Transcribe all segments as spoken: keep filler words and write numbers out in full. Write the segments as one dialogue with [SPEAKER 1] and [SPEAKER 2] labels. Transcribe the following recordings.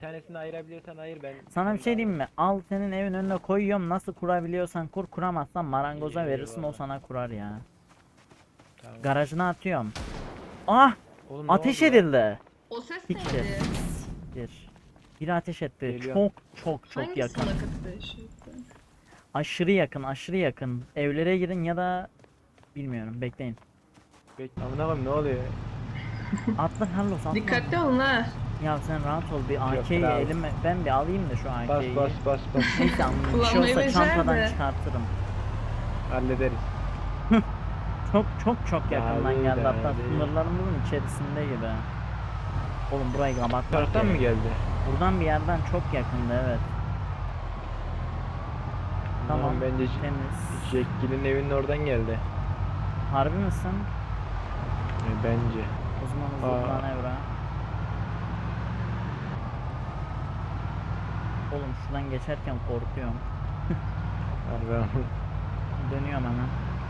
[SPEAKER 1] tanesini ayırabiliyorsan ayır ben.
[SPEAKER 2] Sana bir şey diyeyim mi? Al senin evin önüne koyuyorum. Nasıl kurabiliyorsan kur, kuramazsan marangoza verirsin, o
[SPEAKER 1] Eyvallah.
[SPEAKER 2] sana kurar ya.
[SPEAKER 1] Tamam.
[SPEAKER 2] Garajına atıyorum. Ah!
[SPEAKER 1] Oğlum ne
[SPEAKER 2] Ateş
[SPEAKER 1] oldu lan?
[SPEAKER 2] edildi.
[SPEAKER 3] O ses
[SPEAKER 2] Siktir.
[SPEAKER 3] neydi?
[SPEAKER 2] Bir. Biri ateş etti.
[SPEAKER 1] Geliyorum.
[SPEAKER 2] Çok çok çok
[SPEAKER 3] Hangi
[SPEAKER 2] yakın.
[SPEAKER 3] salak ateş etti?
[SPEAKER 2] Aşırı yakın, aşırı yakın. Evlere girin ya da bilmiyorum. Bekleyin.
[SPEAKER 1] Bekle amına koyayım ne oluyor?
[SPEAKER 2] Atla Carlos, atla.
[SPEAKER 3] Dikkatli olun ha.
[SPEAKER 2] Ya sen rahat ol, bir A K'yi
[SPEAKER 1] bravo.
[SPEAKER 2] elime ben bir alayım da şu
[SPEAKER 1] Bas
[SPEAKER 2] A K'yi.
[SPEAKER 1] bas bas bas.
[SPEAKER 2] Neyse anladım. Bir şey
[SPEAKER 3] Kullanmayı
[SPEAKER 2] olsa
[SPEAKER 3] becer
[SPEAKER 2] çantadan
[SPEAKER 3] de.
[SPEAKER 2] çıkartırım.
[SPEAKER 1] Hallederiz.
[SPEAKER 2] Çok çok çok yakından
[SPEAKER 1] Abi,
[SPEAKER 2] geldi, hatta
[SPEAKER 1] abi.
[SPEAKER 2] sınırlarımızın içerisinde gibi. Oğlum burayı kapatmak
[SPEAKER 1] Taraftan mı
[SPEAKER 2] gerek.
[SPEAKER 1] geldi?
[SPEAKER 2] Buradan bir yerden çok yakındı, evet. Tamam,
[SPEAKER 1] Tamam bence
[SPEAKER 2] temiz.
[SPEAKER 1] Jackgill'in evinin oradan geldi.
[SPEAKER 2] Harbi misin?
[SPEAKER 1] E, bence.
[SPEAKER 2] O zaman hızlı
[SPEAKER 1] Aa.
[SPEAKER 2] manevra. Oğlum şuradan geçerken korkuyorum.
[SPEAKER 1] Harbi ama.
[SPEAKER 2] Dönüyorum hemen.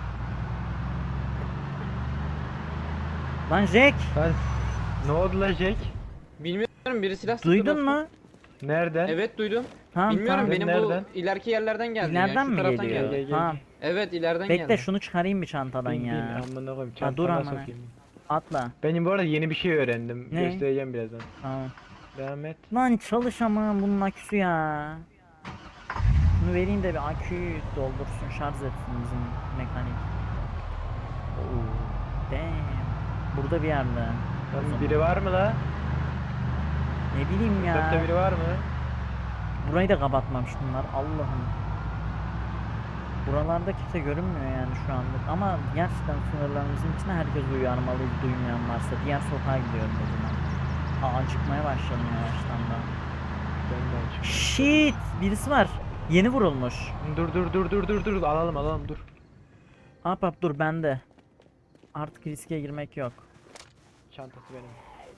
[SPEAKER 2] Lan Jack!
[SPEAKER 1] Lan ne oldu la Jack?
[SPEAKER 4] Bilmiyorum, biri silah sıktı
[SPEAKER 2] Duydun
[SPEAKER 4] dostum.
[SPEAKER 2] mu?
[SPEAKER 1] Nereden?
[SPEAKER 4] Evet duydum.
[SPEAKER 2] Tamam
[SPEAKER 4] Bilmiyorum,
[SPEAKER 2] tamam.
[SPEAKER 4] benim
[SPEAKER 1] Nereden?
[SPEAKER 4] bu ileriki yerlerden geldi
[SPEAKER 2] İleriden
[SPEAKER 4] ya. Şu
[SPEAKER 2] mi
[SPEAKER 4] taraftan
[SPEAKER 2] geliyor?
[SPEAKER 4] geldi.
[SPEAKER 1] Gel, gel,
[SPEAKER 2] Tamam.
[SPEAKER 4] Evet, ileriden
[SPEAKER 2] Bekle
[SPEAKER 4] geldi.
[SPEAKER 2] şunu çıkarayım bir çantadan
[SPEAKER 1] Bin, bin,
[SPEAKER 2] ya.
[SPEAKER 1] amına koyayım
[SPEAKER 2] Ha, dur
[SPEAKER 1] çantama
[SPEAKER 2] amına.
[SPEAKER 1] sokayım.
[SPEAKER 2] Atla.
[SPEAKER 1] Benim bu arada yeni bir şey öğrendim.
[SPEAKER 2] Ne?
[SPEAKER 1] Göstereceğim birazdan.
[SPEAKER 2] Tamam.
[SPEAKER 1] Devam et.
[SPEAKER 2] Lan çalış ama bunun aküsü ya. Bunu vereyim de bir aküyü doldursun, şarj etsin bizim mekanik. Oo, damn. Burada bir yerde. O
[SPEAKER 1] Lan
[SPEAKER 2] zaman.
[SPEAKER 1] biri var mı la?
[SPEAKER 2] Ne bileyim ya.
[SPEAKER 1] Sokakta biri var mı?
[SPEAKER 2] Burayı da kapatmamış bunlar. Allah'ım. Buralarda kimse görünmüyor yani şu anlık. Ama gerçekten sınırlarımızın içine herkes uyarmalı, duymayan varsa. Diğer sokağa gidiyorum o zaman. Aa, acıkmaya başladım yavaştan da.
[SPEAKER 1] Ben de açık.
[SPEAKER 2] Shit! Birisi var. Yeni vurulmuş.
[SPEAKER 1] Dur dur dur dur dur dur alalım alalım dur.
[SPEAKER 2] Hap hap dur bende. Artık riske girmek yok.
[SPEAKER 1] Çantası benim.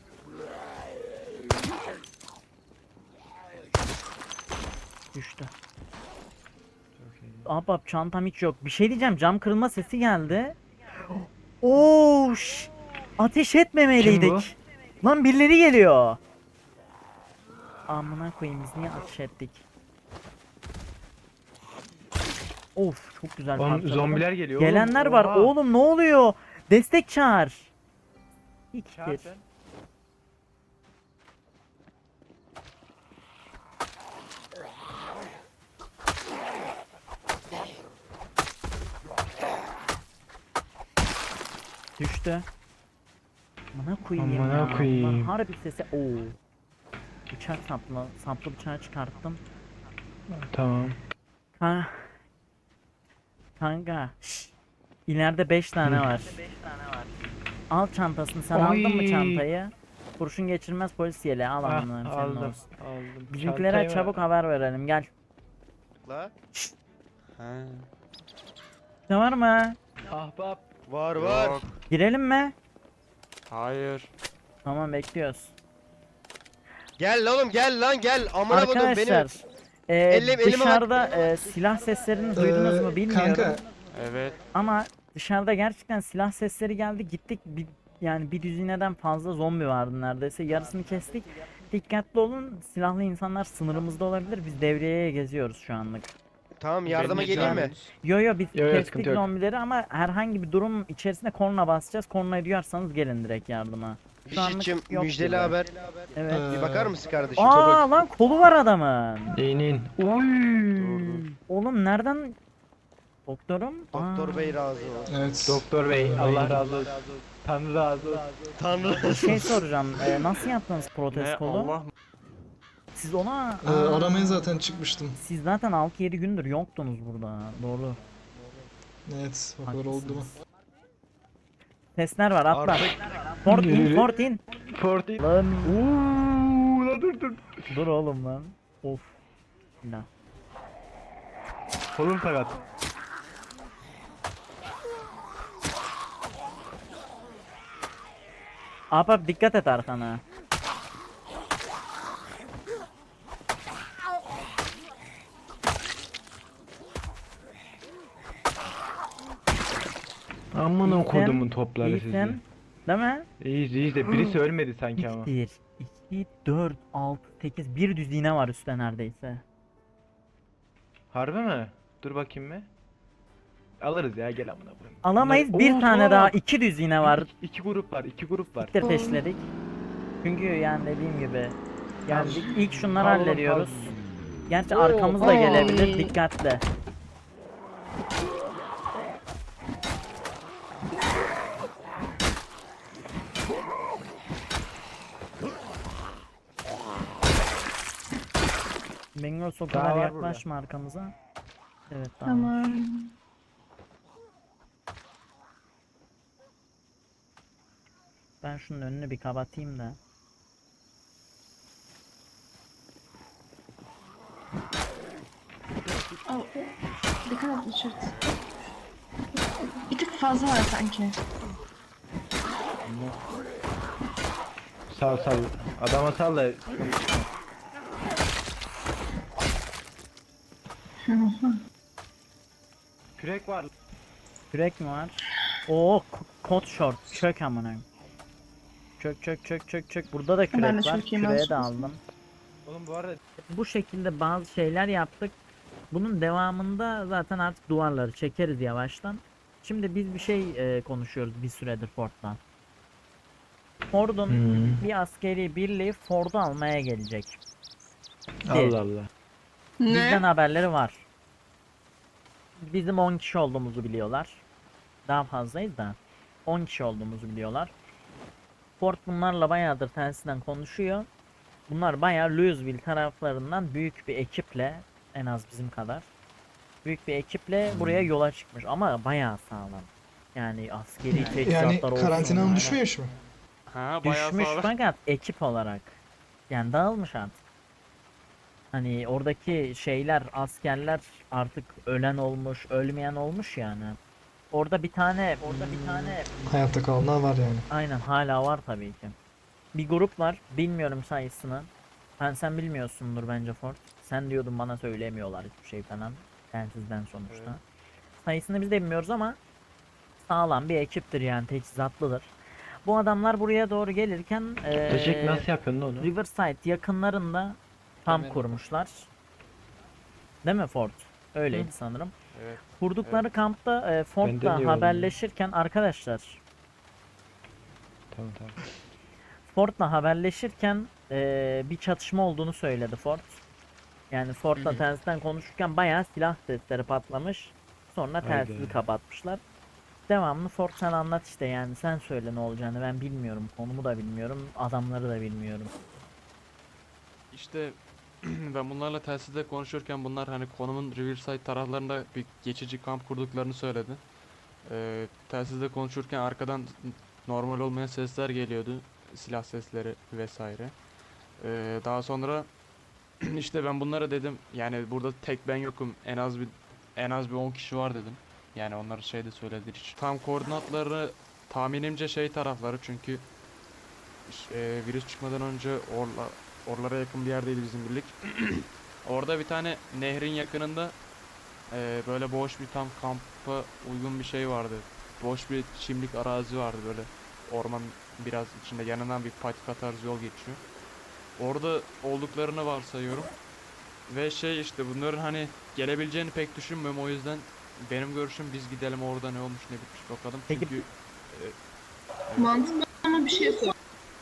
[SPEAKER 2] Düştü.
[SPEAKER 1] Çok iyi.
[SPEAKER 2] Hap hap çantam hiç yok. Bir şey diyeceğim, cam kırılma sesi geldi. Oo, şş. Ateş etmemeliydik. Lan birileri geliyor. Amına koyayım, biz niye ateş ettik? Of çok güzel
[SPEAKER 1] Oğlum,
[SPEAKER 2] parçaladım.
[SPEAKER 1] zombiler geliyor oğlum.
[SPEAKER 2] Gelenler var.
[SPEAKER 1] Oha.
[SPEAKER 2] Oğlum ne oluyor? Destek çağır.
[SPEAKER 1] Çağır
[SPEAKER 2] İktir.
[SPEAKER 1] sen.
[SPEAKER 2] Düştü. Amına koyayım
[SPEAKER 1] Amına
[SPEAKER 2] ya.
[SPEAKER 1] koyayım.
[SPEAKER 2] Bunlar harbi sesi. Oo. Bıçak saplı, saplı bıçağı çıkarttım.
[SPEAKER 1] Tamam.
[SPEAKER 2] Ha. Kanka. Şşş. İleride beş tane var. Al çantasını. Sen aldın mı
[SPEAKER 1] Oy.
[SPEAKER 2] çantayı? Kurşun geçirmez polis yeleği al
[SPEAKER 1] Ah,
[SPEAKER 2] amına senin
[SPEAKER 1] aldım.
[SPEAKER 2] olsun.
[SPEAKER 1] Aldım.
[SPEAKER 2] Bizimkilere
[SPEAKER 1] Çantayı
[SPEAKER 2] çabuk
[SPEAKER 1] ver.
[SPEAKER 2] haber verelim. Gel.
[SPEAKER 5] La? Ha.
[SPEAKER 2] Ne var mı?
[SPEAKER 1] Ahbap.
[SPEAKER 5] Var var.
[SPEAKER 6] Yok.
[SPEAKER 2] Girelim mi?
[SPEAKER 6] Hayır.
[SPEAKER 2] Tamam bekliyoruz.
[SPEAKER 5] Gel lan oğlum gel lan gel. Amına kodum
[SPEAKER 2] Arkadaşlar.
[SPEAKER 5] beni.
[SPEAKER 2] e,
[SPEAKER 5] Elim- elime bak.
[SPEAKER 2] dışarıda e, silah seslerini duydunuz mu bilmiyorum.
[SPEAKER 7] Kanka
[SPEAKER 6] Evet.
[SPEAKER 2] Ama dışarıda gerçekten silah sesleri geldi. Gittik bir, yani bir düzineden fazla zombi vardı neredeyse. Yarısını kestik. Dikkatli olun. Silahlı insanlar sınırımızda olabilir. Biz devreye geziyoruz şu anlık.
[SPEAKER 5] Tamam yardıma
[SPEAKER 6] Beni
[SPEAKER 5] geleyim mi?
[SPEAKER 6] çağırın.
[SPEAKER 2] Yo yo biz
[SPEAKER 1] Yo, yo,
[SPEAKER 2] kestik
[SPEAKER 1] sıkıntı yok.
[SPEAKER 2] zombileri ama herhangi bir durum içerisinde korna basacağız. Kornayı duyarsanız gelin direkt yardıma. Şu anlık
[SPEAKER 5] Dişitçim
[SPEAKER 2] yok
[SPEAKER 5] müjdeli
[SPEAKER 2] gibi.
[SPEAKER 5] haber.
[SPEAKER 2] Evet.
[SPEAKER 7] Ee,
[SPEAKER 5] Bir bakar mısın kardeşim?
[SPEAKER 2] Aa lan kolu var adamın.
[SPEAKER 1] İn in. Uy.
[SPEAKER 2] Oğlum nereden? Doktorum?
[SPEAKER 5] Doktor
[SPEAKER 2] Aa,
[SPEAKER 5] bey razı olsun.
[SPEAKER 7] evet.
[SPEAKER 1] Doktor bey Allah razı olsun. Tanrı razı olsun.
[SPEAKER 5] Tanrı.
[SPEAKER 2] Bir şey soracağım. Ee, nasıl yaptınız protez
[SPEAKER 6] Ne
[SPEAKER 2] kolu?
[SPEAKER 6] Allah mı?
[SPEAKER 2] Siz ona...
[SPEAKER 7] Ee,
[SPEAKER 2] Aa,
[SPEAKER 7] aramaya zaten çıkmıştım.
[SPEAKER 2] Siz zaten altı yedi gündür yoktunuz burada. Doğru.
[SPEAKER 7] Evet, o kadar oldu mu?
[SPEAKER 2] Haklısınız. Testler var atla.
[SPEAKER 5] Artık
[SPEAKER 2] Fort in, fort in.
[SPEAKER 1] Forty.
[SPEAKER 2] Lan
[SPEAKER 1] Uuu la dur dur.
[SPEAKER 2] dur oğlum lan. Of. La.
[SPEAKER 1] Kolum sakat.
[SPEAKER 2] Ahbap dikkat et arkana.
[SPEAKER 1] Aman o
[SPEAKER 2] İyisin,
[SPEAKER 1] kodumun topları sizi.
[SPEAKER 2] İyisin. Değil mi?
[SPEAKER 1] İyiyiz iyiyiz de birisi ölmedi sanki ama.
[SPEAKER 2] İktir. iki, dört, altı, sekiz. Bir düz iğne var üstte neredeyse.
[SPEAKER 1] Harbi mi? Dur bakayım mı? Alırız ya, gel amına koyayım.
[SPEAKER 2] Alamayız.
[SPEAKER 1] Bunlar-
[SPEAKER 2] Bir
[SPEAKER 1] Oo,
[SPEAKER 2] tane
[SPEAKER 1] tamam.
[SPEAKER 2] daha. iki düz iğne var.
[SPEAKER 1] İki, iki grup var, iki grup var.
[SPEAKER 2] Siktir peşledik. Çünkü yani dediğim gibi. Yani
[SPEAKER 1] Tamam.
[SPEAKER 2] ilk şunları
[SPEAKER 1] Pardon,
[SPEAKER 2] hallediyoruz.
[SPEAKER 1] pardon.
[SPEAKER 2] Gerçi
[SPEAKER 4] Oo,
[SPEAKER 2] arkamız da
[SPEAKER 4] oo.
[SPEAKER 2] gelebilir. Dikkatli. Bengals o
[SPEAKER 1] Daha
[SPEAKER 2] kadar
[SPEAKER 1] var burada.
[SPEAKER 2] yaklaşma arkamıza. Evet tamam.
[SPEAKER 3] Tamam.
[SPEAKER 2] Ben şunun önünü bir kapatayım da.
[SPEAKER 3] Oh, dikkat et Richard. Bir tık fazla var sanki.
[SPEAKER 1] Sal sal. Adama sal da. Kürek var.
[SPEAKER 2] Kürek mi var? Oo k- kot short. Çök amına. Çök çök çök çök çök. Burada da
[SPEAKER 3] Ben de
[SPEAKER 2] kürek var.
[SPEAKER 3] çökeyim
[SPEAKER 2] Küreği de
[SPEAKER 3] aslında.
[SPEAKER 2] aldım.
[SPEAKER 1] Oğlum bu arada
[SPEAKER 2] Bu şekilde bazı şeyler yaptık. Bunun devamında zaten artık duvarları çekeriz yavaştan. Şimdi biz bir şey e, konuşuyoruz bir süredir Ford'dan. Ford'un
[SPEAKER 1] Hmm.
[SPEAKER 2] bir askeri birliği Ford'u almaya gelecek.
[SPEAKER 1] Allah Allah.
[SPEAKER 2] Bizden haberleri var. Bizim on kişi olduğumuzu biliyorlar. Daha fazlayız da. on kişi olduğumuzu biliyorlar. Ford bunlarla bayağıdır telsizden konuşuyor. Bunlar bayağı Louisville taraflarından büyük bir ekiple, en az bizim kadar büyük bir ekiple buraya yola çıkmış ama bayağı sağlam. Yani askeri teçhizatlar
[SPEAKER 7] Yani
[SPEAKER 2] olsun.
[SPEAKER 7] karantinanın
[SPEAKER 2] aynen.
[SPEAKER 7] düşmüyor mu?
[SPEAKER 6] Ha bayağı
[SPEAKER 2] Düşmüş
[SPEAKER 6] sağlam.
[SPEAKER 2] fakat ekip olarak. Yani dağılmış artık. Hani oradaki şeyler, askerler artık ölen olmuş, ölmeyen olmuş yani. Orada bir tane, orada bir tane
[SPEAKER 7] Hayatta kalanlar var yani.
[SPEAKER 2] aynen hala var tabii ki. Bir grup var, bilmiyorum sayısını. Ben sen bilmiyorsundur bence Ford. Sen diyordun bana söylemiyorlar hiçbir şey falan. Telsizden sonuçta.
[SPEAKER 6] Evet.
[SPEAKER 2] Sayısını biz de bilmiyoruz ama sağlam bir ekiptir yani teçhizatlıdır. Bu adamlar buraya doğru gelirken eee,
[SPEAKER 1] Teşekkür, nasıl yapıyorsun lan onu?
[SPEAKER 2] Riverside yakınlarında kamp
[SPEAKER 4] Kemerim.
[SPEAKER 2] kurmuşlar. Değil mi Ford? Öyleydi sanırım.
[SPEAKER 6] Evet.
[SPEAKER 2] Kurdukları kampta e,
[SPEAKER 1] Ben de
[SPEAKER 2] Ford'la
[SPEAKER 1] diyorum.
[SPEAKER 2] haberleşirken arkadaşlar
[SPEAKER 1] Tamam tamam.
[SPEAKER 2] Ford'la haberleşirken e, bir çatışma olduğunu söyledi Ford. Yani Ford'la telsizden konuşurken bayağı silah sesleri patlamış. Sonra telsizi
[SPEAKER 1] Haydi.
[SPEAKER 2] kapatmışlar. Devamlı Ford sen anlat işte yani sen söyle ne olacağını ben bilmiyorum. Konumu da bilmiyorum. Adamları da bilmiyorum.
[SPEAKER 6] İşte ben bunlarla telsizde konuşurken bunlar hani konumun Riverside taraflarında bir geçici kamp kurduklarını söyledi. Ee, telsizde konuşurken arkadan normal olmayan sesler geliyordu. Silah sesleri vesaire. Ee, daha sonra işte ben bunlara dedim yani burada tek ben yokum en az bir en az bir on kişi var dedim. Yani onlar şey de söyledi hiç. Tam koordinatları tahminimce şey tarafları çünkü ş- e, virüs çıkmadan önce orla, oralara yakın bir yerdeydi bizim birlik. Orada bir tane nehrin yakınında e, böyle boş bir tam kampa uygun bir şey vardı. Boş bir çimlik arazi vardı böyle orman biraz içinde yanından bir patika tarzı yol geçiyor. Orada olduklarını varsayıyorum. Ve şey işte bunların hani gelebileceğini pek düşünmüyorum o yüzden benim görüşüm biz gidelim orada ne olmuş ne bitmiş bakalım
[SPEAKER 2] Peki-
[SPEAKER 6] çünkü
[SPEAKER 3] Mantıklı ama bir şey sor.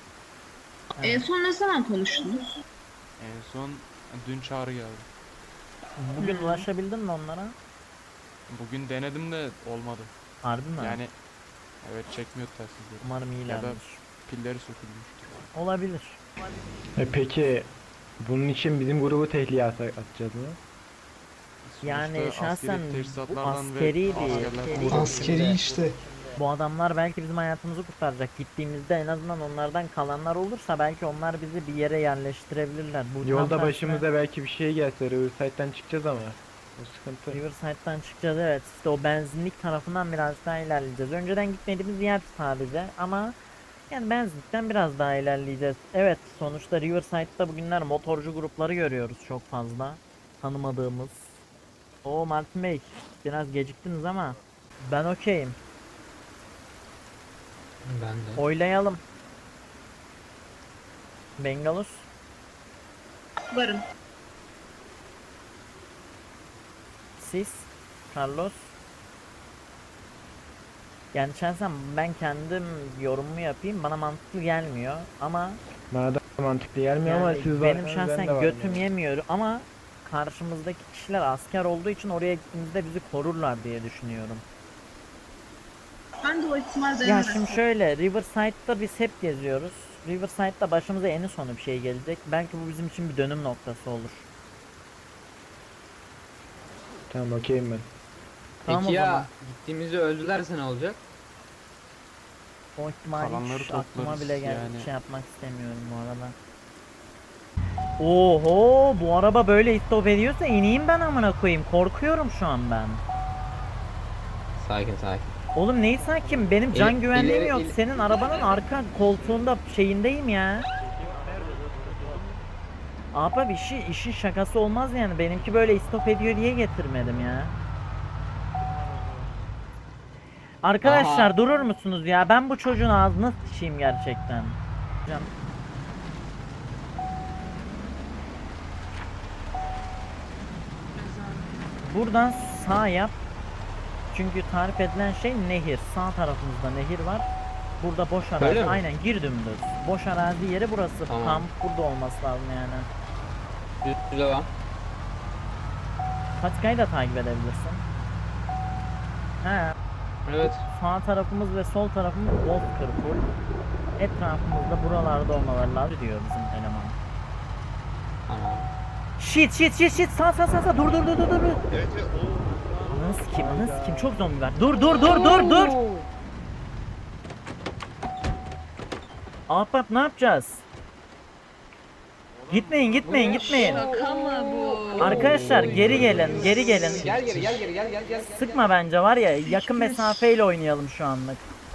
[SPEAKER 3] En
[SPEAKER 2] Evet.
[SPEAKER 3] son ne zaman konuştunuz?
[SPEAKER 6] en son dün çağrı geldi.
[SPEAKER 2] Bugün
[SPEAKER 3] Hmm.
[SPEAKER 2] ulaşabildin mi onlara?
[SPEAKER 6] Bugün denedim de olmadı.
[SPEAKER 2] Harbi mi?
[SPEAKER 6] Yani evet çekmiyor telsizleri.
[SPEAKER 2] Umarım iyilerdir.
[SPEAKER 6] Pilleri sökülmüş.
[SPEAKER 2] Olabilir.
[SPEAKER 1] E peki bunun için bizim grubu tehlikeye at- atacağız mı?
[SPEAKER 2] Yani
[SPEAKER 6] Sonuçta
[SPEAKER 2] şahsen
[SPEAKER 6] askeri
[SPEAKER 2] bu
[SPEAKER 6] teçhizatlardan ve
[SPEAKER 2] askeri bir-
[SPEAKER 6] askerler
[SPEAKER 2] askeri-
[SPEAKER 6] kullanıyor.
[SPEAKER 7] Askeri işte.
[SPEAKER 2] Bu adamlar belki bizim hayatımızı kurtaracak. Gittiğimizde en azından onlardan kalanlar olursa belki onlar bizi bir yere yerleştirebilirler. Bu tam
[SPEAKER 1] Yolda
[SPEAKER 2] tersine
[SPEAKER 1] başımıza belki bir şey gelse Riverside'den çıkacağız ama. O sıkıntı.
[SPEAKER 2] Riverside'dan çıkacağız evet. İşte o benzinlik tarafından biraz daha ilerleyeceğiz. Önceden gitmediğimiz yer sadece ama yani benzinlikten biraz daha ilerleyeceğiz. Evet sonuçta Riverside'da bugünler motorcu grupları görüyoruz çok fazla. Tanımadığımız. O Martin Bey biraz geciktiniz ama ben okeyim.
[SPEAKER 8] Ben de.
[SPEAKER 2] Oylayalım. Bengalus.
[SPEAKER 3] Varım.
[SPEAKER 2] Siz. Carlos. Yani şahsen ben kendim yorumumu yapayım. Bana mantıklı gelmiyor ama
[SPEAKER 1] Bana da mantıklı gelmiyor ama
[SPEAKER 2] yani
[SPEAKER 1] siz
[SPEAKER 2] benim
[SPEAKER 1] varsanız
[SPEAKER 2] şahsen
[SPEAKER 1] ben de varım
[SPEAKER 2] götüm
[SPEAKER 1] yani.
[SPEAKER 2] yemiyor ama karşımızdaki kişiler asker olduğu için oraya gittiğimizde bizi korurlar diye düşünüyorum.
[SPEAKER 3] Ben de o ihtimal
[SPEAKER 2] Ya
[SPEAKER 3] denemedim.
[SPEAKER 2] şimdi şöyle, Riverside'da biz hep geziyoruz. Riverside'da başımıza eni sonu bir şey gelecek. Belki bu bizim için bir dönüm noktası olur.
[SPEAKER 1] Tamam okeyim ben.
[SPEAKER 2] Tamam
[SPEAKER 4] Peki
[SPEAKER 2] o
[SPEAKER 4] ya
[SPEAKER 2] zaman.
[SPEAKER 4] gittiğimizde öldülerse ne olacak?
[SPEAKER 2] O ihtimali
[SPEAKER 6] Kalanları
[SPEAKER 2] hiç aklıma
[SPEAKER 6] toplarız
[SPEAKER 2] bile gel
[SPEAKER 6] yani.
[SPEAKER 2] şey yapmak istemiyorum bu arada. Oho, bu araba böyle istop ediyorsa ineyim ben amına koyayım. Korkuyorum şu an ben.
[SPEAKER 4] Sakin sakin.
[SPEAKER 2] Oğlum neyi sakin? Benim can
[SPEAKER 4] İleri-
[SPEAKER 2] güvenliğim
[SPEAKER 4] ileri-
[SPEAKER 2] yok.
[SPEAKER 4] ileri-
[SPEAKER 2] Senin arabanın arka koltuğunda şeyindeyim ya. Abi işi işin şakası olmaz yani. Benimki böyle istop ediyor diye getirmedim ya. Arkadaşlar
[SPEAKER 4] Aha.
[SPEAKER 2] durur musunuz ya? Ben bu çocuğun ağzına sıçayım gerçekten. Can- Buradan sağ yap. Çünkü tarif edilen şey nehir. Sağ tarafımızda nehir var. Burada boş arazi.
[SPEAKER 4] Öyle mi?
[SPEAKER 2] Aynen gir dümdüz. Boş arazi yeri burası.
[SPEAKER 4] Tamam.
[SPEAKER 2] Kamp burada olması lazım yani.
[SPEAKER 4] Düz devam.
[SPEAKER 2] Patikayı da takip edebilirsin. He.
[SPEAKER 4] Evet.
[SPEAKER 2] Sağ tarafımız ve sol tarafımız bozkır full. Etrafımızda buralarda olmaları lazım diyor bizim eleman.
[SPEAKER 4] Tamam.
[SPEAKER 2] Shit shit shit shit sağ sağ sağ sağ dur dur dur dur dur.
[SPEAKER 5] Evet ve o
[SPEAKER 2] Nasıl kim nasıl kim çok zombi var. Dur dur dur dur dur. Ahbap ne yapacağız? Gitmeyin gitmeyin gitmeyin.
[SPEAKER 3] Şaka mı bu?
[SPEAKER 2] Arkadaşlar geri gelin geri gelin.
[SPEAKER 4] Gel geri gel geri gel gel gel. gel.
[SPEAKER 2] Sıkma bence var ya yakın mesafeyle oynayalım şu anlık.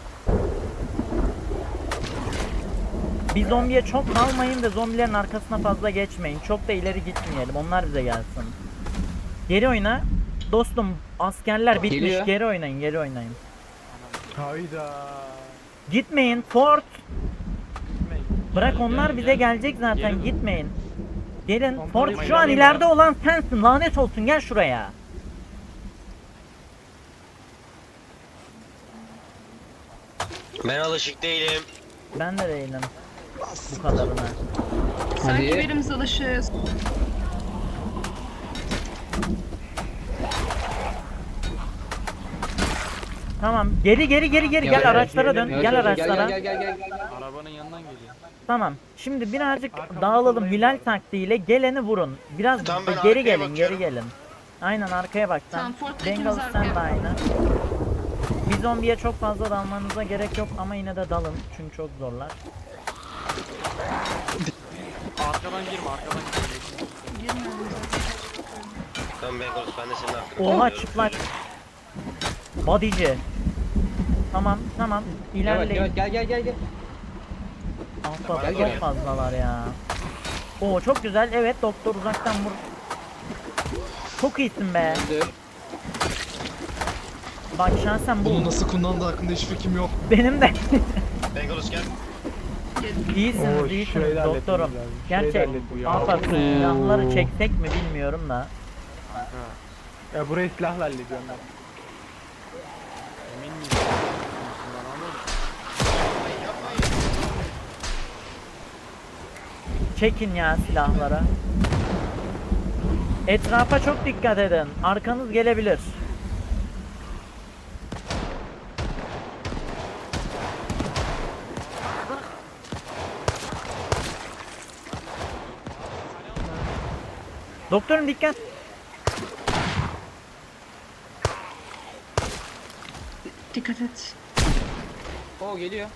[SPEAKER 2] Bir zombiye çok kalmayın ve zombilerin arkasına fazla geçmeyin. Çok da ileri gitmeyelim. Onlar bize gelsin. Geri oyna. Dostum askerler bitmiş.
[SPEAKER 4] Geliyor.
[SPEAKER 2] Geri oynayın, geri oynayın.
[SPEAKER 1] Hayda.
[SPEAKER 2] Gitmeyin. Fort. Bırak
[SPEAKER 6] Gel,
[SPEAKER 2] onlar
[SPEAKER 6] gel,
[SPEAKER 2] bize
[SPEAKER 6] gel.
[SPEAKER 2] gelecek zaten.
[SPEAKER 6] Gelin.
[SPEAKER 2] Gitmeyin. Gelin.
[SPEAKER 1] Pompalayı
[SPEAKER 2] Fort şu an
[SPEAKER 6] alayım
[SPEAKER 2] ileride
[SPEAKER 6] ya.
[SPEAKER 2] olan sensin. Lanet olsun. Gel şuraya.
[SPEAKER 5] ben alışık değilim.
[SPEAKER 2] Ben de değilim. Bu kadarına.
[SPEAKER 3] Sanki
[SPEAKER 4] Hadi.
[SPEAKER 3] birimiz alışığız.
[SPEAKER 2] Tamam. Geri geri geri geri. Gel
[SPEAKER 4] Evet,
[SPEAKER 2] araçlara
[SPEAKER 1] gelelim.
[SPEAKER 2] dön.
[SPEAKER 4] Evet,
[SPEAKER 2] Gel
[SPEAKER 4] evet,
[SPEAKER 2] araçlara.
[SPEAKER 4] Gel gel gel gel gel.
[SPEAKER 6] Arabanın yanından geliyor.
[SPEAKER 2] Tamam. Şimdi birazcık
[SPEAKER 1] Arkamda
[SPEAKER 2] dağılalım
[SPEAKER 1] kollayın
[SPEAKER 2] Hilal
[SPEAKER 1] bakalım.
[SPEAKER 2] taktiğiyle geleni vurun. Biraz
[SPEAKER 5] Tamam, ben
[SPEAKER 2] geri
[SPEAKER 5] arkaya
[SPEAKER 2] gelin, geri
[SPEAKER 5] bakıyorum.
[SPEAKER 2] gelin. Aynen arkaya bak sen.
[SPEAKER 3] Tamam, Fort'takimiz
[SPEAKER 2] Bengal sen
[SPEAKER 3] arkaya
[SPEAKER 2] de
[SPEAKER 3] bak.
[SPEAKER 2] aynı. Bir zombiye çok fazla dalmanıza gerek yok ama yine de dalın çünkü çok zorlar.
[SPEAKER 6] Arkadan girme arkadan girme.
[SPEAKER 3] Girmiyorum zaten.
[SPEAKER 5] Tamam Bengalus ben de senin arkana.
[SPEAKER 2] Oha
[SPEAKER 5] geliyorum.
[SPEAKER 2] çıplak. Bodyci. Tamam tamam
[SPEAKER 4] Evet,
[SPEAKER 2] ilerleyin.
[SPEAKER 4] evet, gel gel gel gel.
[SPEAKER 2] Alfa
[SPEAKER 4] Gel,
[SPEAKER 2] çok
[SPEAKER 4] gel.
[SPEAKER 2] fazlalar ya. Oo çok güzel evet doktor uzaktan vur. Çok iyisin be.
[SPEAKER 4] Öldü.
[SPEAKER 2] Bak şahsen bu
[SPEAKER 7] Bunu nasıl kullandığı hakkında hiç fikrim yok.
[SPEAKER 2] benim de.
[SPEAKER 5] Bengalus gel.
[SPEAKER 2] İyisiniz,
[SPEAKER 1] Oo,
[SPEAKER 2] iyisiniz
[SPEAKER 1] şurayı da
[SPEAKER 2] doktorum.
[SPEAKER 1] halletmemiz lazım. Şurayı da
[SPEAKER 2] Gerçek.
[SPEAKER 1] halletmemiz lazım.
[SPEAKER 2] Alfa
[SPEAKER 6] Oo.
[SPEAKER 2] silahları çeksek mi bilmiyorum da.
[SPEAKER 6] Kanka
[SPEAKER 1] Ya burayı silahla hallediyorum ben.
[SPEAKER 6] emin miyiz? Bundan oğlum.
[SPEAKER 2] Çekin ya silahlara. Etrafa çok dikkat edin. Arkanız gelebilir. Doktorum dikkat.
[SPEAKER 3] Dikkat et.
[SPEAKER 4] Oo geliyor.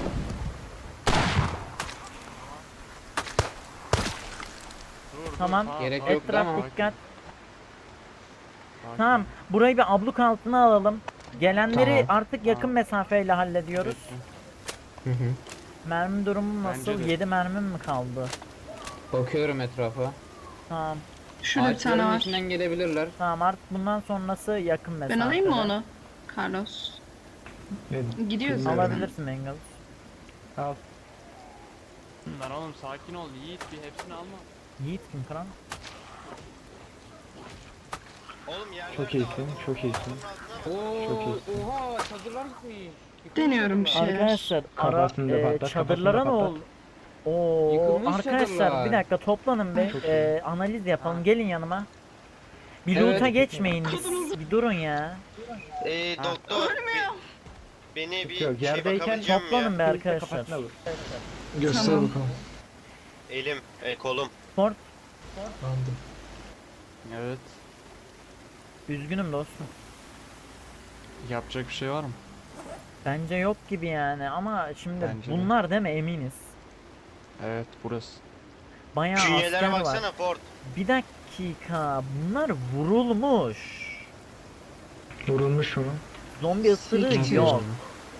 [SPEAKER 6] Dur, dur,
[SPEAKER 2] Tamam.
[SPEAKER 6] sağ-
[SPEAKER 4] Gerek
[SPEAKER 6] sağ-
[SPEAKER 4] yok
[SPEAKER 2] Etraf
[SPEAKER 4] ama.
[SPEAKER 2] dikkat.
[SPEAKER 6] Sakin.
[SPEAKER 2] Tamam. Burayı bir abluk altına alalım. Gelenleri
[SPEAKER 4] Tamam.
[SPEAKER 2] artık yakın mesafeyle hallediyoruz.
[SPEAKER 6] Peki.
[SPEAKER 4] Hı hı.
[SPEAKER 2] Mermi durumu
[SPEAKER 6] Bence
[SPEAKER 2] nasıl?
[SPEAKER 6] de.
[SPEAKER 2] yedi mermim mi kaldı?
[SPEAKER 4] Bakıyorum etrafa.
[SPEAKER 2] Tamam.
[SPEAKER 3] Şurada bir tane
[SPEAKER 4] Ağaçların
[SPEAKER 3] var.
[SPEAKER 4] içinden gelebilirler.
[SPEAKER 2] Tamam artık bundan sonrası yakın
[SPEAKER 3] Ben
[SPEAKER 2] mesafede.
[SPEAKER 3] alayım mı onu? Carlos.
[SPEAKER 1] Ne?
[SPEAKER 3] Gidiyoruz
[SPEAKER 1] Bilmiyorum.
[SPEAKER 3] zaten.
[SPEAKER 2] Alabilirsin Bengal.
[SPEAKER 1] Al.
[SPEAKER 6] Lan oğlum sakin ol Yiğit, bir hepsini alma.
[SPEAKER 2] Yiğit kim kral?
[SPEAKER 5] Oğlum yerler
[SPEAKER 1] Çok
[SPEAKER 5] de
[SPEAKER 1] iyisin,
[SPEAKER 5] var.
[SPEAKER 1] çok iyisin.
[SPEAKER 4] Oo,
[SPEAKER 1] Çok iyisin.
[SPEAKER 4] oha çadırlar gitmiş. Yıkılmış
[SPEAKER 3] Deniyorum bir
[SPEAKER 4] çadırlar.
[SPEAKER 3] şeyler.
[SPEAKER 2] Arkadaşlar ara
[SPEAKER 1] Kafasını da
[SPEAKER 2] e,
[SPEAKER 1] patlat,
[SPEAKER 2] çadırlara ne
[SPEAKER 1] kafasını da
[SPEAKER 2] oldu? Oo
[SPEAKER 4] Yıkılmış
[SPEAKER 2] arkadaşlar
[SPEAKER 4] çadırlar.
[SPEAKER 2] bir dakika toplanın be.
[SPEAKER 1] Çok
[SPEAKER 2] E, analiz yapalım. Gelin yanıma. Bir
[SPEAKER 4] Evet.
[SPEAKER 2] loot'a geçmeyin biz. Bir durun ya.
[SPEAKER 5] Ee,
[SPEAKER 6] Ha.
[SPEAKER 5] doktor be- beni bir
[SPEAKER 1] Yok,
[SPEAKER 5] şey
[SPEAKER 1] yerdeyken
[SPEAKER 5] bakabileceğim mi
[SPEAKER 2] Toplanın
[SPEAKER 5] ya?
[SPEAKER 2] be
[SPEAKER 1] Birlikte
[SPEAKER 2] arkadaşlar.
[SPEAKER 1] kafasına vur.
[SPEAKER 7] Göster
[SPEAKER 3] Tamam.
[SPEAKER 7] bakalım.
[SPEAKER 5] Elim, e, kolum.
[SPEAKER 2] Ford
[SPEAKER 7] Anladım.
[SPEAKER 6] Evet.
[SPEAKER 2] üzgünüm dostum.
[SPEAKER 6] Yapacak bir şey var mı?
[SPEAKER 2] Bence yok gibi yani ama şimdi
[SPEAKER 6] Bence de.
[SPEAKER 2] bunlar değil mi eminiz?
[SPEAKER 6] Evet burası.
[SPEAKER 2] Bayağı asker
[SPEAKER 5] Künyelere
[SPEAKER 2] var.
[SPEAKER 5] baksana Ford.
[SPEAKER 2] Bir dakika bunlar vurulmuş.
[SPEAKER 1] Vurulmuş mu?
[SPEAKER 2] Zombi ısırığı
[SPEAKER 7] Nasıl
[SPEAKER 2] yok.
[SPEAKER 7] yani?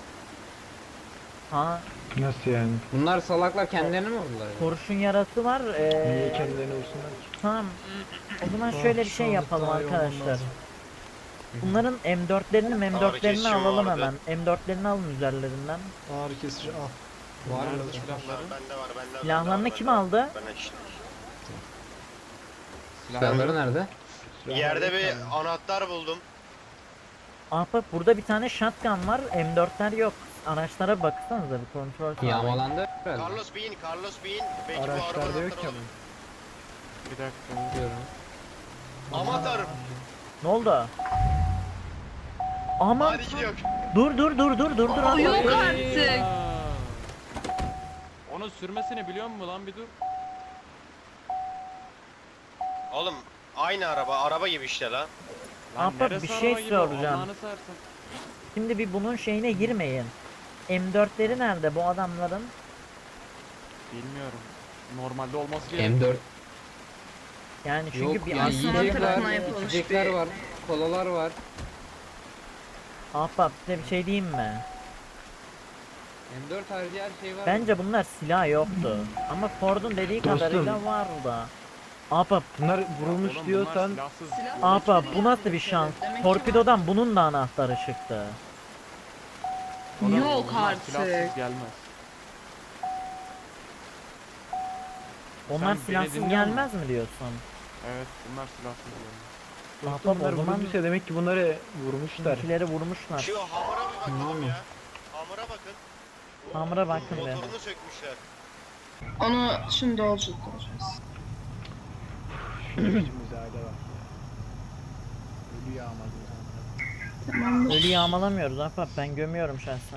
[SPEAKER 2] Ha
[SPEAKER 1] Nasıl yani?
[SPEAKER 4] Bunlar salaklar kendilerini mi vurdular?
[SPEAKER 2] kurşun yarası var. Ee,
[SPEAKER 1] Niye kendilerini vursunlar ki?
[SPEAKER 2] tamam. O zaman
[SPEAKER 7] Ah,
[SPEAKER 2] şöyle bir
[SPEAKER 7] şu
[SPEAKER 2] şey
[SPEAKER 7] anda
[SPEAKER 2] yapalım
[SPEAKER 7] daha iyi olmam
[SPEAKER 2] arkadaşlar.
[SPEAKER 7] lazım.
[SPEAKER 2] Bunların M dörtlerini M dörtlerini
[SPEAKER 5] kesişim
[SPEAKER 2] alalım
[SPEAKER 5] vardı.
[SPEAKER 2] hemen. M dörtlerini alın üzerlerinden.
[SPEAKER 7] Ağrı kesici al.
[SPEAKER 4] Var mı?
[SPEAKER 6] Nerede silahları?
[SPEAKER 5] Bende var, bende var.
[SPEAKER 2] Silahlarını
[SPEAKER 5] bende
[SPEAKER 2] kim
[SPEAKER 5] var,
[SPEAKER 2] aldı?
[SPEAKER 5] bende işte.
[SPEAKER 4] Silahları nerede?
[SPEAKER 5] Yerde bir anahtar buldum.
[SPEAKER 2] Ahbap burada bir tane shotgun var. M dörtler yok. Araçlara baksanıza bir kontrol sağlayın.
[SPEAKER 4] Yağmalandı herhalde.
[SPEAKER 5] Carlos bin, Carlos bin. Belki bu
[SPEAKER 1] Araçlarda
[SPEAKER 5] araba
[SPEAKER 1] yok ki
[SPEAKER 5] anahtarı
[SPEAKER 1] ama.
[SPEAKER 5] olur.
[SPEAKER 6] Bir dakika.
[SPEAKER 4] Diyorum.
[SPEAKER 5] Aman tanrım.
[SPEAKER 2] Ne oldu? Aman
[SPEAKER 5] Hadi gidiyor.
[SPEAKER 2] dur dur dur dur dur dur.
[SPEAKER 3] Yok
[SPEAKER 2] Ahbap.
[SPEAKER 3] artık.
[SPEAKER 6] Onun sürmesini biliyor musun lan bir dur.
[SPEAKER 5] Oğlum aynı araba, araba gibi işte lan.
[SPEAKER 6] Lan
[SPEAKER 2] Ahbap,
[SPEAKER 6] neresi
[SPEAKER 2] bir şey
[SPEAKER 6] araba gibi?
[SPEAKER 2] soracağım.
[SPEAKER 6] Allah'ını seversen.
[SPEAKER 2] Şimdi bir bunun şeyine girmeyin. M dörtleri nerede bu adamların?
[SPEAKER 6] Bilmiyorum. Normalde olması gerekiyor.
[SPEAKER 4] M dört.
[SPEAKER 2] Yani çünkü
[SPEAKER 4] Yok
[SPEAKER 2] bir
[SPEAKER 4] yani
[SPEAKER 3] aslında
[SPEAKER 2] asker...
[SPEAKER 4] yiyecekler,
[SPEAKER 3] tarafına yapılmış
[SPEAKER 4] içecekler
[SPEAKER 3] bir-
[SPEAKER 4] var, kolalar var.
[SPEAKER 2] Ahbap size bir şey diyeyim mi?
[SPEAKER 4] M dört harici her şey var.
[SPEAKER 2] Bence bunlar silah yoktu. Ama Ford'un dediği
[SPEAKER 1] Dostum.
[SPEAKER 2] kadarıyla vardı. Ahbap,
[SPEAKER 1] Bunlar vurulmuş
[SPEAKER 6] Oğlum bunlar
[SPEAKER 1] diyorsan
[SPEAKER 6] silahsız.
[SPEAKER 2] ahbap bu nasıl bir şans? Torpidodan bunun da anahtarı çıktı.
[SPEAKER 6] Oğlum,
[SPEAKER 3] Yok
[SPEAKER 6] bunlar
[SPEAKER 3] artık.
[SPEAKER 6] Silahsız gelmez.
[SPEAKER 2] Onlar
[SPEAKER 6] beni
[SPEAKER 2] silahsız
[SPEAKER 6] dinliyor
[SPEAKER 2] gelmez mi diyorsun?
[SPEAKER 6] Evet bunlar silahsız gelmez.
[SPEAKER 2] Ahbap
[SPEAKER 1] bunlar
[SPEAKER 2] o zaman
[SPEAKER 1] vurulmuşsa demek ki bunları vurmuşlar.
[SPEAKER 2] bizimkileri vurmuşlar.
[SPEAKER 5] Şu hamura bir bakalım
[SPEAKER 7] Tamam.
[SPEAKER 5] ya. Hamura bakın.
[SPEAKER 2] Hamura bakın be.
[SPEAKER 5] Motorunu sökmüşler.
[SPEAKER 3] Onu şimdi yolculuk olacağız.
[SPEAKER 1] İçimizde hala var. Ölü yağmalıyor.
[SPEAKER 3] Tamamdır.
[SPEAKER 2] Ölü yağmalamıyoruz ahbap, ben gömüyorum şahsen.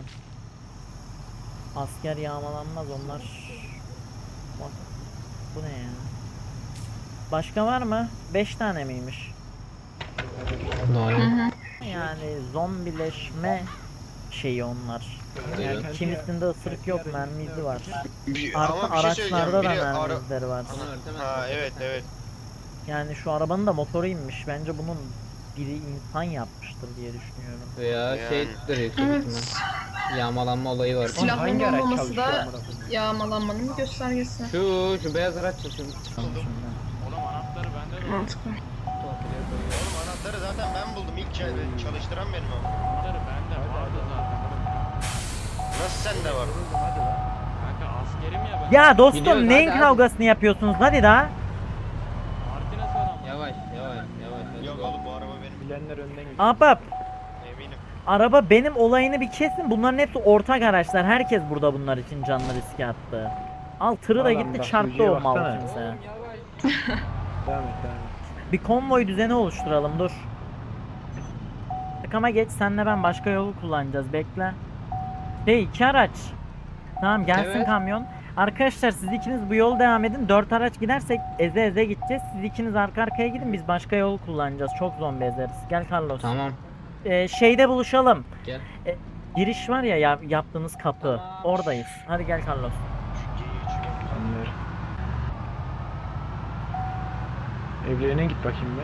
[SPEAKER 2] Asker yağmalanmaz onlar. Bak, bu ne ya? Başka var mı? beş tane miymiş?
[SPEAKER 4] Doğru.
[SPEAKER 2] Yani zombileşme şeyi onlar. Yani
[SPEAKER 4] Evet.
[SPEAKER 2] kimisinde ısırık yok, mermi izi var.
[SPEAKER 5] Bir-
[SPEAKER 2] Artı
[SPEAKER 5] ama bir şey söyleyeceğim.
[SPEAKER 2] araçlarda da
[SPEAKER 5] Biri
[SPEAKER 2] mermi
[SPEAKER 5] ara-
[SPEAKER 2] izleri var.
[SPEAKER 5] Ha evet evet.
[SPEAKER 2] Yani şu arabanın da motoru inmiş. Bence bunun biri insan yapmıştır diye düşünüyorum.
[SPEAKER 4] Veya
[SPEAKER 5] Yani.
[SPEAKER 4] şeydir yüksek
[SPEAKER 3] Evet.
[SPEAKER 4] ihtimal. Yağmalanma olayı var.
[SPEAKER 1] Hangi
[SPEAKER 3] Silahların
[SPEAKER 1] araç
[SPEAKER 3] olmaması
[SPEAKER 1] çalışıyor
[SPEAKER 3] da
[SPEAKER 1] amına koyayım?
[SPEAKER 3] yağmalanmanın bir göstergesi.
[SPEAKER 4] Şu, şu beyaz araç çalışıyor.
[SPEAKER 2] Şimdi.
[SPEAKER 6] Oğlum anahtarı bende de.
[SPEAKER 3] Mantıklı.
[SPEAKER 5] Oğlum anahtarı zaten ben buldum. İlk çal- çalıştıran benim ama.
[SPEAKER 6] Anahtarı bende vardı zaten.
[SPEAKER 5] Nasıl sende var?
[SPEAKER 6] Kanka askerim ya ben.
[SPEAKER 2] Ya dostum
[SPEAKER 4] Gidiyoruz,
[SPEAKER 2] neyin
[SPEAKER 4] hadi, hadi.
[SPEAKER 2] kavgasını yapıyorsunuz? Hadi daha.
[SPEAKER 6] Martinez var ama.
[SPEAKER 4] Yavaş, yavaş, yavaş.
[SPEAKER 5] Yok oğlum bu araba benim.
[SPEAKER 1] Bilenler önden gidiyor.
[SPEAKER 2] Ahbap,
[SPEAKER 5] Eminim.
[SPEAKER 2] araba benim olayını bir kesin. Bunların hepsi ortak araçlar. Herkes burada bunlar için canlı riske attı. Al tırı da
[SPEAKER 1] Adam
[SPEAKER 2] gitti
[SPEAKER 1] bak,
[SPEAKER 2] çarptı
[SPEAKER 1] yüzüğe
[SPEAKER 2] o mal
[SPEAKER 1] baksana.
[SPEAKER 2] kimse.
[SPEAKER 4] Yavaş.
[SPEAKER 1] Devam et devam et.
[SPEAKER 2] Bir konvoy düzeni oluşturalım dur. Ama geç senle ben başka yolu kullanacağız bekle. Şey iki araç. Tamam gelsin
[SPEAKER 4] Evet.
[SPEAKER 2] kamyon. Arkadaşlar siz ikiniz bu yolu devam edin. Dört araç gidersek eze eze gideceğiz. Siz ikiniz arka arkaya gidin biz başka yol kullanacağız. Çok zombi ezeriz. Gel Carlos.
[SPEAKER 4] Tamam,
[SPEAKER 2] Ee, şeyde buluşalım.
[SPEAKER 4] gel.
[SPEAKER 2] Giriş var ya, ya yaptığınız kapı.
[SPEAKER 4] Tamam.
[SPEAKER 2] Oradayız. Hadi gel Carlos.
[SPEAKER 1] Anlar. Evlerine git bakayım be.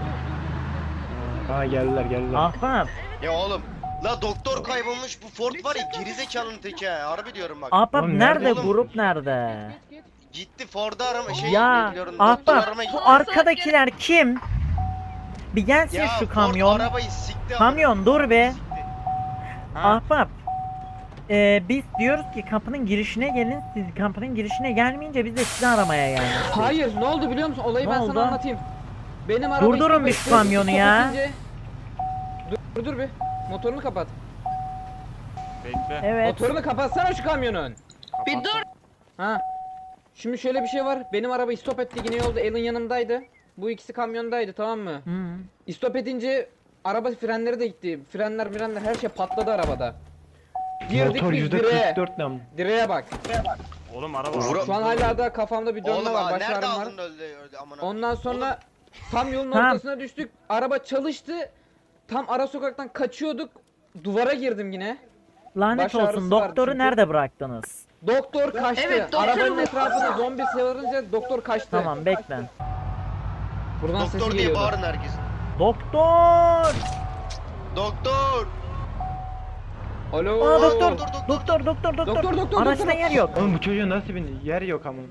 [SPEAKER 1] Aa geldiler geldiler.
[SPEAKER 2] Ahbap.
[SPEAKER 5] Ya oğlum. La doktor kaybolmuş bu Ford var ya gerizekalının teki ha. Harbi diyorum bak.
[SPEAKER 2] Ahbap
[SPEAKER 1] Oğlum
[SPEAKER 2] nerede?
[SPEAKER 1] nerede
[SPEAKER 5] oğlum?
[SPEAKER 2] Grup nerede?
[SPEAKER 5] Gitti Ford'u arama şey
[SPEAKER 2] Ya
[SPEAKER 5] bekliyorum. Doktor
[SPEAKER 2] ahbap
[SPEAKER 5] aramaya
[SPEAKER 2] bu
[SPEAKER 5] gitti.
[SPEAKER 2] arkadakiler kim? Bir gelsin
[SPEAKER 5] Ya
[SPEAKER 2] şu
[SPEAKER 5] Ford
[SPEAKER 2] kamyon.
[SPEAKER 5] arabayı sikti ama.
[SPEAKER 2] Kamyon dur be.
[SPEAKER 5] Sikti.
[SPEAKER 6] Ha,
[SPEAKER 2] Ahbap. e, biz diyoruz ki kapının girişine gelin. Siz kapının girişine gelmeyince biz de sizi aramaya geldik.
[SPEAKER 4] Hayır, ne oldu biliyor musun? Olayı
[SPEAKER 2] Ne
[SPEAKER 4] ben
[SPEAKER 2] oldu?
[SPEAKER 4] sana anlatayım. Benim arabayı
[SPEAKER 2] Durdurun
[SPEAKER 4] stop
[SPEAKER 2] bir
[SPEAKER 4] etti,
[SPEAKER 2] şu kamyonu
[SPEAKER 4] stop
[SPEAKER 2] ya.
[SPEAKER 4] edince- Dur dur bir. Motorunu kapat.
[SPEAKER 6] Bekle.
[SPEAKER 2] Evet.
[SPEAKER 4] Motorunu kapatsana şu kamyonun.
[SPEAKER 3] Bir dur.
[SPEAKER 4] Ha. Şimdi şöyle bir şey var. Benim arabayı stop etti yine yolda. Alan yanımdaydı. Bu ikisi kamyondaydı, tamam mı?
[SPEAKER 2] Hı.
[SPEAKER 4] Stop edince araba frenleri de gitti. Frenler frenler her şey patladı arabada. Girdik
[SPEAKER 1] Motor
[SPEAKER 4] biz
[SPEAKER 1] yüzde
[SPEAKER 4] direğe.
[SPEAKER 1] kırk dört nam.
[SPEAKER 4] Direğe bak.
[SPEAKER 6] Oğlum araba.
[SPEAKER 5] Vura-
[SPEAKER 4] Şu an hala da kafamda bir dönme
[SPEAKER 5] Oğlum
[SPEAKER 4] var.
[SPEAKER 5] aa,
[SPEAKER 4] Baş
[SPEAKER 5] nerede
[SPEAKER 4] ağrım var.
[SPEAKER 5] aldın öldü öldü amına.
[SPEAKER 4] Ondan sonra tam yolun
[SPEAKER 2] Tamam.
[SPEAKER 4] ortasına düştük. Araba çalıştı. Tam ara sokaktan kaçıyorduk. Duvara girdim yine.
[SPEAKER 2] Lanet
[SPEAKER 4] Baş ağrısı
[SPEAKER 2] olsun.
[SPEAKER 4] var
[SPEAKER 2] Doktoru
[SPEAKER 4] çünkü.
[SPEAKER 2] nerede bıraktınız?
[SPEAKER 4] Doktor kaçtı.
[SPEAKER 3] Evet, doktor
[SPEAKER 4] Arabanın
[SPEAKER 3] bu.
[SPEAKER 4] etrafında zombi sarınca doktor kaçtı.
[SPEAKER 2] Tamam bekle.
[SPEAKER 4] Buradan
[SPEAKER 5] Doktor
[SPEAKER 4] sesi
[SPEAKER 5] diye
[SPEAKER 4] geliyordu.
[SPEAKER 5] bağırın herkes.
[SPEAKER 2] Doktor!
[SPEAKER 5] Doktor.
[SPEAKER 4] Alo.
[SPEAKER 2] Aa doktor!
[SPEAKER 5] doktor, doktor.
[SPEAKER 2] Doktor doktor doktor.
[SPEAKER 4] Doktor, doktor,
[SPEAKER 2] Araçta
[SPEAKER 4] doktor.
[SPEAKER 2] yer yok.
[SPEAKER 1] Oğlum bu çocuğun nasıl bir yer yok ama.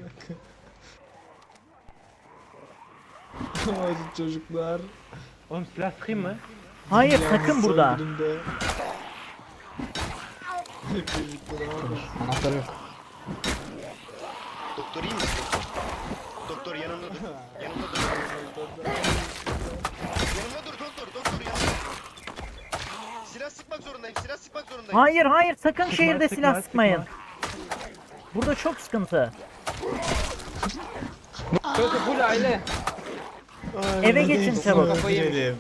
[SPEAKER 7] Hadi çocuklar.
[SPEAKER 1] Oğlum silah sıkayım mı?
[SPEAKER 2] Hayır
[SPEAKER 7] Yalnız
[SPEAKER 2] sakın burada.
[SPEAKER 7] saldırımda. Hep birlikte ne yapalım?
[SPEAKER 4] Anahtarı yok.
[SPEAKER 5] Doktor iyi misin? Doktor yanımda dur. Yanımda dur. Yanımda dur doktor. Doktor yanımda. Silah sıkmak zorundayım. Silah sıkmak zorundayım.
[SPEAKER 2] Hayır hayır sakın
[SPEAKER 1] Sıkma,
[SPEAKER 2] şehirde
[SPEAKER 1] sıkma,
[SPEAKER 2] silah
[SPEAKER 1] sıkma.
[SPEAKER 2] sıkmayın. Burada çok sıkıntı.
[SPEAKER 4] Burası full aile.
[SPEAKER 7] Ay,
[SPEAKER 2] Eve
[SPEAKER 7] hadi
[SPEAKER 2] geçin
[SPEAKER 7] hepsini
[SPEAKER 2] çabuk.
[SPEAKER 7] öldürelim.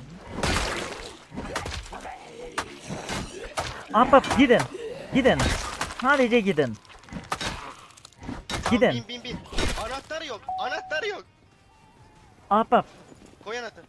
[SPEAKER 2] Ahbap gidin. Gidin. Sadece gidin.
[SPEAKER 5] Tamam,
[SPEAKER 2] Gidin.
[SPEAKER 5] Bin bin bin. Anahtarı yok. Anahtarı yok.
[SPEAKER 2] Ahbap
[SPEAKER 5] Koy anahtarı.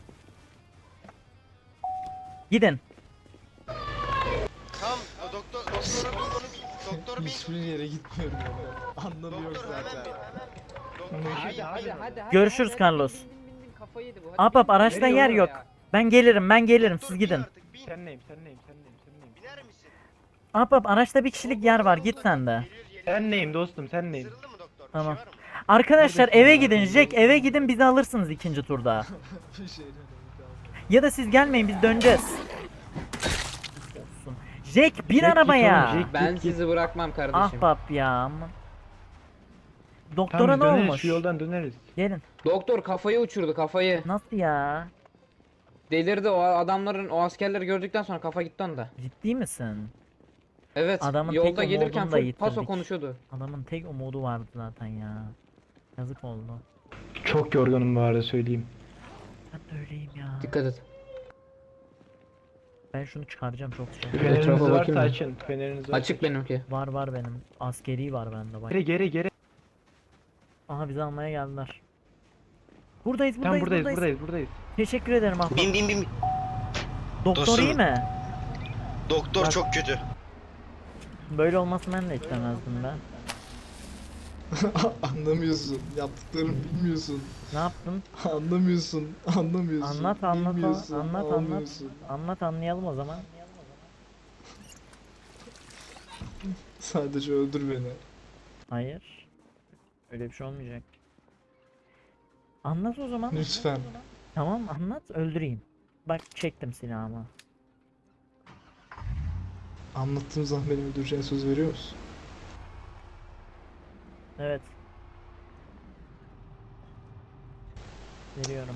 [SPEAKER 2] gidin.
[SPEAKER 5] Tamam. O doktor doktora bin onu bin. Doktor bin.
[SPEAKER 7] Hiçbir yere gitmiyorum ama. Anlamı yok
[SPEAKER 5] Doktor hemen
[SPEAKER 7] zaten.
[SPEAKER 5] bin. Hemen. Doktor
[SPEAKER 4] Hadi
[SPEAKER 5] bin,
[SPEAKER 4] hadi
[SPEAKER 5] bin.
[SPEAKER 4] hadi. hadi,
[SPEAKER 2] Görüşürüz
[SPEAKER 4] hadi,
[SPEAKER 2] Carlos.
[SPEAKER 4] bin, bin, bin, bin, kafayı yedi bu. Hadi
[SPEAKER 2] Ahbap
[SPEAKER 4] bin.
[SPEAKER 2] araçta
[SPEAKER 4] Nereye
[SPEAKER 2] yer
[SPEAKER 4] olur
[SPEAKER 2] yok.
[SPEAKER 4] ya?
[SPEAKER 2] Ben gelirim ben gelirim
[SPEAKER 5] Doktor,
[SPEAKER 2] siz
[SPEAKER 5] bin
[SPEAKER 2] gidin.
[SPEAKER 5] artık, bin.
[SPEAKER 1] Sen neyim sen neyim sen neyim sen neyim?
[SPEAKER 5] Biner misin?
[SPEAKER 2] Ahbap araçta bir kişilik yer var git sen de.
[SPEAKER 5] Geliyor, geliyor.
[SPEAKER 1] Sen neyim dostum sen neyim?
[SPEAKER 5] Isırıldı mı doktor? Bir
[SPEAKER 2] Tamam.
[SPEAKER 5] şey var mı?
[SPEAKER 2] Arkadaşlar eve gidin Jack eve gidin bizi alırsınız ikinci turda.
[SPEAKER 7] Bir şeyden emin kalmadım.
[SPEAKER 2] Ya da siz gelmeyin biz döneceğiz. Olsun. Jack bin
[SPEAKER 1] Jack git
[SPEAKER 2] arabaya.
[SPEAKER 1] oğlum, Jack.
[SPEAKER 4] Ben
[SPEAKER 1] Git, git.
[SPEAKER 4] sizi bırakmam kardeşim.
[SPEAKER 2] Ahbap ya aman. Doktora
[SPEAKER 1] Tamam
[SPEAKER 2] ne
[SPEAKER 1] biz döneriz
[SPEAKER 2] olmuş?
[SPEAKER 1] şu yoldan döneriz.
[SPEAKER 2] Gelin.
[SPEAKER 4] Doktor kafayı uçurdu kafayı.
[SPEAKER 2] Nasıl ya?
[SPEAKER 4] Delirdi o adamların o askerleri gördükten sonra kafa gitti onda.
[SPEAKER 2] Ciddi misin?
[SPEAKER 4] Evet.
[SPEAKER 2] Adamın
[SPEAKER 4] yolda
[SPEAKER 2] tek
[SPEAKER 4] gelirken
[SPEAKER 2] umudunu da
[SPEAKER 4] full paso
[SPEAKER 2] yitirdik.
[SPEAKER 4] konuşuyordu.
[SPEAKER 2] Adamın tek umudu vardı zaten ya. Yazık oldu.
[SPEAKER 1] Çok yorgunum bu arada söyleyeyim.
[SPEAKER 2] Ben de öyleyim ya.
[SPEAKER 4] Dikkat et.
[SPEAKER 2] Ben şunu çıkaracağım çok şey.
[SPEAKER 1] Feneriniz
[SPEAKER 4] Etrafa
[SPEAKER 1] varsa
[SPEAKER 4] bakayım mı?
[SPEAKER 1] açın. Feneriniz varsa
[SPEAKER 4] Açık benimki.
[SPEAKER 2] Var var benim. Askeri var bende bak.
[SPEAKER 1] Geri geri geri.
[SPEAKER 2] Aha bizi almaya geldiler. Buradayız buradayız
[SPEAKER 1] Tamam buradayız
[SPEAKER 2] buradayız.
[SPEAKER 1] buradayız buradayız.
[SPEAKER 2] Teşekkür ederim ahbap.
[SPEAKER 5] Bin bin bin. bin.
[SPEAKER 2] Doktor
[SPEAKER 5] Dostum.
[SPEAKER 2] iyi mi?
[SPEAKER 5] Doktor
[SPEAKER 2] Bak.
[SPEAKER 5] çok kötü.
[SPEAKER 2] Böyle olmasını ben de istemezdim ben.
[SPEAKER 7] Anlamıyorsun. Yaptıklarını bilmiyorsun.
[SPEAKER 2] Ne yaptın?
[SPEAKER 7] Anlamıyorsun. Anlamıyorsun.
[SPEAKER 2] Anlat, anlat,
[SPEAKER 7] bilmiyorsun,
[SPEAKER 2] anlat, anlat.
[SPEAKER 7] anlamıyorsun.
[SPEAKER 2] Anlat anlayalım o zaman.
[SPEAKER 7] Sadece öldür beni.
[SPEAKER 2] Hayır. Öyle bir şey olmayacak. Anlat o zaman.
[SPEAKER 7] Lütfen.
[SPEAKER 2] Tamam anlat öldüreyim. Bak çektim silahımı.
[SPEAKER 7] Anlattığım zaman beni öldüreceğine söz veriyor musun?
[SPEAKER 2] Evet. Veriyorum.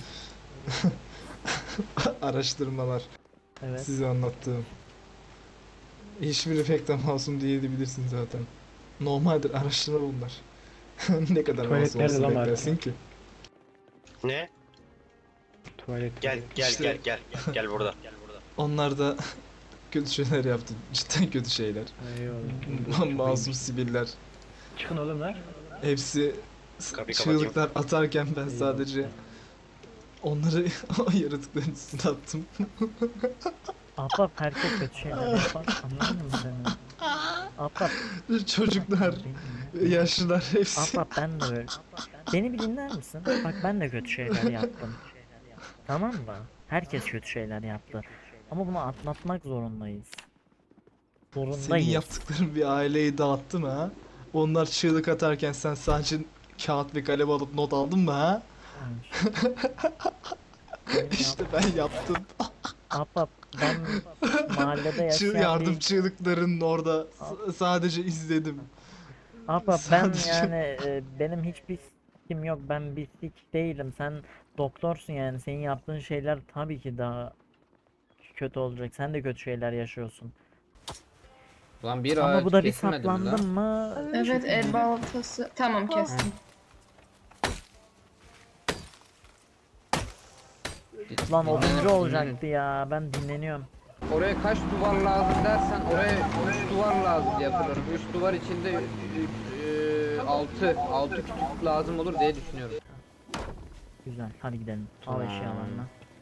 [SPEAKER 7] Araştırmalar.
[SPEAKER 2] Evet.
[SPEAKER 7] Size anlattığım. Hiçbiri pek de masum diyebilirsin zaten. Normaldir araştırma bunlar. Ne kadar
[SPEAKER 1] Tuvalet
[SPEAKER 7] masum
[SPEAKER 1] nerede
[SPEAKER 7] olsun
[SPEAKER 1] lan
[SPEAKER 7] beklersin
[SPEAKER 1] Marka?
[SPEAKER 7] ki.
[SPEAKER 5] Ne?
[SPEAKER 1] Tuvalet.
[SPEAKER 5] Gel gel
[SPEAKER 7] İşte-
[SPEAKER 5] gel gel. Gel burada. Gel burada.
[SPEAKER 7] Onlar da kötü şeyler yaptı. Cidden kötü şeyler.
[SPEAKER 1] Eyvallah.
[SPEAKER 7] Masum siviller.
[SPEAKER 1] Çıkın oğlum lan.
[SPEAKER 7] Hepsi s-
[SPEAKER 5] Kapıyı kapatayım.
[SPEAKER 7] çığlıklar atarken ben sadece onları o yaratıkların üstüne attım.
[SPEAKER 2] Ahbap herkes kötü şeyler yapar. Anladın mı seni? Ahbap.
[SPEAKER 7] Çocuklar, yaşlılar hepsi.
[SPEAKER 2] Ahbap ben de böyle. Beni bir dinler misin? Bak ben de kötü şeyler yaptım. Tamam mı? Herkes kötü şeyler yaptı. Ama bunu atlatmak zorundayız.
[SPEAKER 7] Senin
[SPEAKER 2] Zorundayız.
[SPEAKER 7] yaptıkların bir aileyi dağıttı mı ha? Onlar çığlık atarken sen sadece kağıt ve kalem alıp not aldın mı ha?
[SPEAKER 2] Benim
[SPEAKER 7] İşte ben yaptım.
[SPEAKER 2] Ahbap ben mahallede
[SPEAKER 7] Çığ-
[SPEAKER 2] yaşayan
[SPEAKER 7] yardım
[SPEAKER 2] bir...
[SPEAKER 7] çığlıklarının orada s- sadece izledim.
[SPEAKER 2] Apa ben
[SPEAKER 7] Sadece-
[SPEAKER 2] yani e, benim hiçbir sikim yok, ben bir sik değilim, sen doktorsun yani, senin yaptığın şeyler tabii ki daha kötü olacak, sen de kötü şeyler yaşıyorsun.
[SPEAKER 4] Lan bir
[SPEAKER 2] Ama
[SPEAKER 4] ağaç
[SPEAKER 2] bu da bir
[SPEAKER 4] kesilmedi mi lan?
[SPEAKER 2] saplandın mı?
[SPEAKER 3] Evet el baltası. Tamam kestim.
[SPEAKER 2] Lan oduncu
[SPEAKER 4] Dinlenir,
[SPEAKER 2] olacaktı ya, ben dinleniyorum.
[SPEAKER 4] Oraya kaç duvar lazım dersen oraya üç duvar lazım diye hatırlıyorum. üç duvar içinde altı altı kütük lazım olur diye düşünüyorum.
[SPEAKER 2] Güzel, hadi gidelim. Al
[SPEAKER 4] Tamam.
[SPEAKER 2] eşyalarını.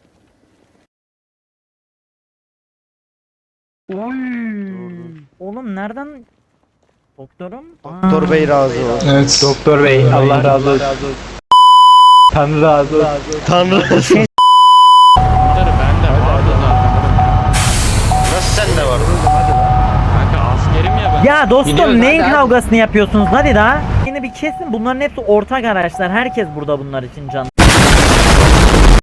[SPEAKER 2] Oğlum nereden? Doktorum?
[SPEAKER 1] Doktor bey razı olsun.
[SPEAKER 7] Evet.
[SPEAKER 1] Doktor bey Allah razı olsun. Tanrı razı olsun.
[SPEAKER 5] Tanrı.
[SPEAKER 6] Bunları bende vardı zaten.
[SPEAKER 5] Nasıl sende var?
[SPEAKER 6] Kanka askerim ya ben.
[SPEAKER 2] Ya dostum
[SPEAKER 4] Gidiyoruz,
[SPEAKER 2] neyin
[SPEAKER 4] hadi, hadi.
[SPEAKER 2] kavgasını yapıyorsunuz, hadi daha. Yine bir kesin, bunların hepsi ortak araçlar, herkes burada bunlar için can.